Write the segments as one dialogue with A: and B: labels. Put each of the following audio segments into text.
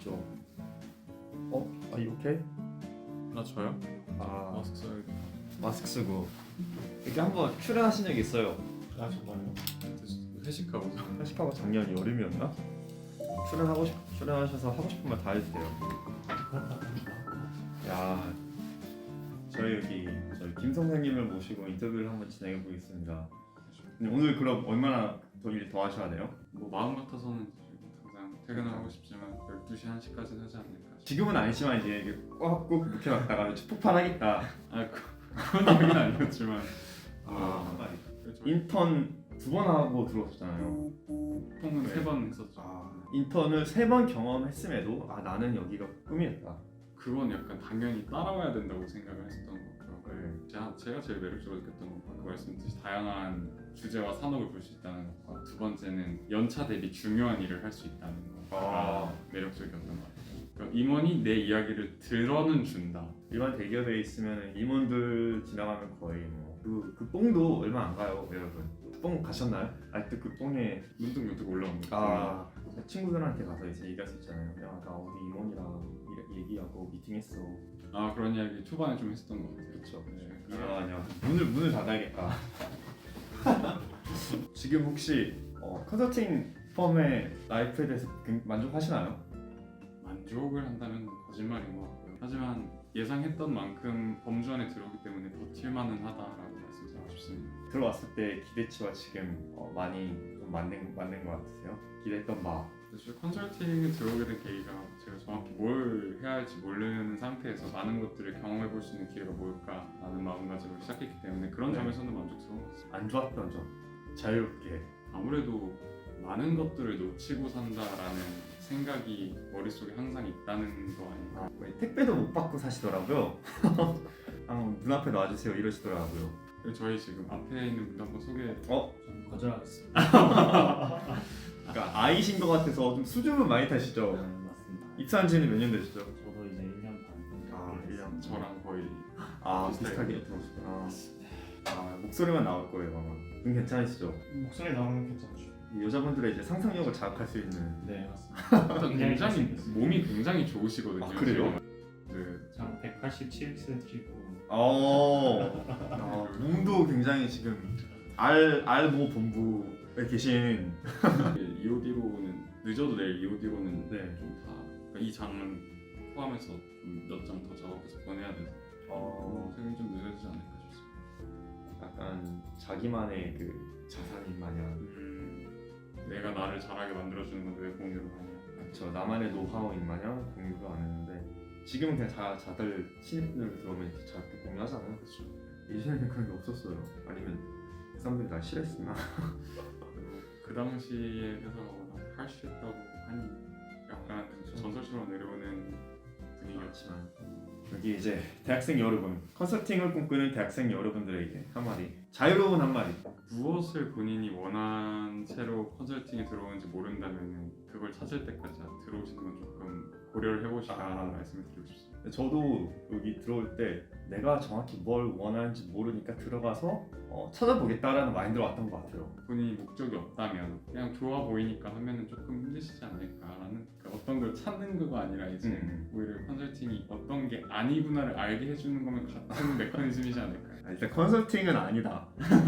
A: 있죠. 이렇게?
B: 나 저요?
A: 아,
B: 마스크 써야겠다.
A: 마스크 쓰고 이렇게 한번 출연하신 적 있어요.
B: 아 정말요? 회식하고
A: 회식하고 작년 여름이었나? 출연하셔서 하고 싶은 말 다 해도 돼요. 야, 저희 김 선생님을 모시고 인터뷰를 한번 진행해 보겠습니다. 오늘 그럼 얼마나 더 일 더 하셔야 돼요?
B: 뭐 마음 같아서는 당장 퇴근을 하고 싶지만 12시 1시까지는 하지 않을까 싶어요.
A: 지금은 아니지만 이제 이게 꽉꾹 묵혀놨다가 폭발하겠다.
B: 그런 얘기는 아니었지만
A: 한마디.
B: 그렇죠.
A: 인턴 2번 하고 들어오셨잖아요.
B: 통은
A: 네.
B: 3번 했었죠.
A: 인턴을 3번 경험했음에도 나는 여기가 꿈이었다.
B: 그건 약간 당연히 따라와야 된다고 생각을 했었던 것 같아요.
A: 네.
B: 제가 제일 매력적으로 느꼈던 건 아까 말씀드린 다양한 주제와 산업을 볼 수 있다는 것과 두 번째는 연차 대비 중요한 일을 할 수 있다는 거가 매력적이었던 것 같아요. 그러니까 임원이 내 이야기를 들어는 준다.
A: 일반 대기업에 있으면 임원들 지나가면 거의 그 뽕도 얼마 안 가요, 여러분. 뽕 가셨나요? 아직도 그 뽕에
B: 문득문득 올라온 거.
A: 친구들한테 가서 이제 얘기할 수 있잖아요. 야, 나 어디 임원이랑 얘기하고 미팅했어.
B: 그런 이야기 초반에 좀 했었던 것 같아요.
A: 그렇죠.
B: 네.
A: 아니야. 문을 닫아야겠다. 지금 혹시 컨설팅 펌의 라이프에 대해서 만족하시나요?
B: 만족을 한다면 거짓말인 것 같고요. 하지만 예상했던 만큼 범주 안에 들어오기 때문에 버틸만은 하다라고 말씀드리고 싶습니다.
A: 들어왔을 때 기대치와 지금 많이 좀 맞는 것 같으세요? 기대했던 바.
B: 사실 컨설팅에 들어오게 된 계기가 제가 정확히 뭘 해야 할지 모르는 상태에서 많은 것들을 경험해 볼 수 있는 기회가 뭘까라는 마음가짐으로 시작했기 때문에 그런
A: 네.
B: 점에서는 만족스러운 것 같습니다.
A: 안 좋았던 점. 자유롭게.
B: 아무래도 많은 것들을 놓치고 산다라는 생각이 머릿속에 항상 있다는 거 아닌가.
A: 택배도 못 받고 사시더라고요. 눈앞에 놔주세요 이러시더라고요.
B: 그리고 저희 지금 앞에 있는 분도 한번 소개.
C: 좀 거절하겠습니다.
A: 그러니까 아이신 것 같아서 좀 수줍음 많이 타시죠?
C: 맞습니다.
A: 입사한 지는 몇 년 되시죠?
C: 저도 이제 1년 반.
A: 1년.
B: 저랑 거의
A: 비슷하게 들어오셨구나. 목소리만 나올 거예요 아마. 눈 괜찮으시죠?
C: 목소리 나오면 괜찮죠.
A: 이 여자분들의 이제 상상력을 자극할 수 있는.
C: 네 맞습니다.
B: 일단 굉장히 몸이 굉장히 좋으시거든요.
A: 그래요?
B: 네.
C: 저 187cm고
A: 몸도 굉장히 지금 알모 본부에 계신.
B: EOD로는 늦어도 내일 EOD로는
A: 네.
B: 좀 다 이 장은 포함해서 좀 몇 장 더 작업해서 보내야 돼서 퇴근이 좀 늦어지지 않을까 싶습니다.
A: 약간 자기만의 그 자산인 마냥.
B: 내가 나를 잘하게 만들어주는 건데 왜 공유를 하냐.
A: 그렇죠. 나만의 노하우인 마냥 공유를 안 했는데 지금은 그냥 다들 신입들 들어오면 이렇게 잘 공유하잖아요.
B: 그렇죠.
A: 예전에는 그런 게 없었어요. 아니면 그 사람들이 날 싫어했으나.
B: 그 당시에 회사가 워낙 harsh했다고 하니 약간 전설처럼 내려오는 분위기였지만
A: 여기 이제 대학생 여러분, 컨설팅을 꿈꾸는 대학생 여러분들에게 한마디, 자유로운 한마디.
B: 무엇을 본인이 원한 채로 컨설팅에 들어오는지 모른다면 그걸 찾을 때까지 들어오시는 건 조금 고려를 해보시라는 말씀을 드리고 싶습니다.
A: 저도 여기 들어올 때 내가 정확히 뭘 원하는지 모르니까 들어가서 찾아보겠다라는 마인드로 왔던 것 같아요.
B: 본인이 목적이 없다면 그냥 좋아 보이니까 하면은 조금 힘드시지 않을까라는, 그러니까 어떤 걸 찾는 거가 아니라 이제 오히려 컨설팅이 어떤 게 아니구나를 알게 해주는 거면 같은 메커니즘이지 않을까요?
A: 일단 컨설팅은 아니다.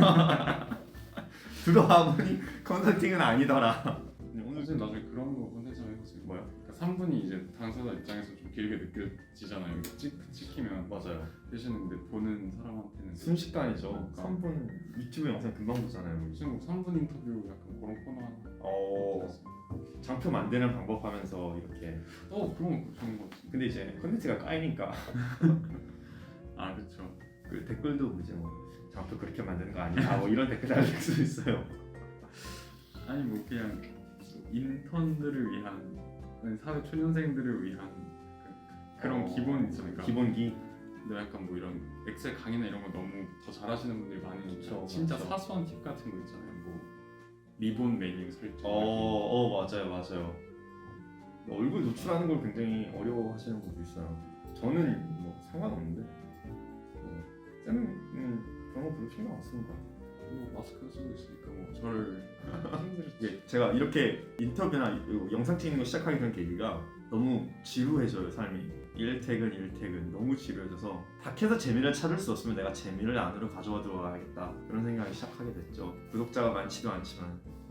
A: 들어와 보니 컨설팅은 아니더라.
B: 오늘 좀 나중에 그런 거 혼내서 해보세요.
A: 뭐요?
B: 그러니까 3분이 이제 당사자 입장에서 좀 길게 느껴지잖아요. 찍히면
A: 맞아요.
B: 되시는데 보는 사람한테는
A: 순식간이죠.
B: 그러니까.
A: 3분 유튜브 영상 금방 보잖아요.
B: 무슨 3분 인터뷰 약간 그런 코너 하나.
A: 장표 만드는 방법 하면서 이렇게.
B: 그런 거 좋은 거 같은데.
A: 근데 이제 컨텐츠가 까이니까
B: 그렇죠.
A: 그 댓글도 이제 장표 그렇게 만드는 거 아니야? 이런 댓글 달릴 수 있어요.
B: 아니 그냥 인턴들을 위한 사회 초년생들을 위한 그런 기본 있잖아요. 그러니까
A: 기본기.
B: 근데 약간 이런 엑셀 강의나 이런 거 너무 더 잘하시는 분들이 많으니까
A: 그쵸,
B: 진짜
A: 맞죠.
B: 사소한 팁 같은 거 있잖아요. 리본 메뉴 설정.
A: 맞아요. 얼굴 노출하는 걸 굉장히 어려워하시는 분도 있어요. 저는 상관없는데 쌤은 그런 거 별로 신경 안 쓰는 것 같아요.
B: 뭐 마스크 쓰고 있으니까 뭐 저를 힘들었지.
A: 이게 제가 이렇게 인터뷰나 이 영상 찍는 거 시작하게 된 계기가 너무 지루해져요 삶이. 일퇴근 너무 지루해져서 닥해서 재미를 찾을 수 없으면 내가 재미를 안으로 가져와 들어가야겠다 그런 생각이 시작하게 됐죠. 구독자가 많지도 않지만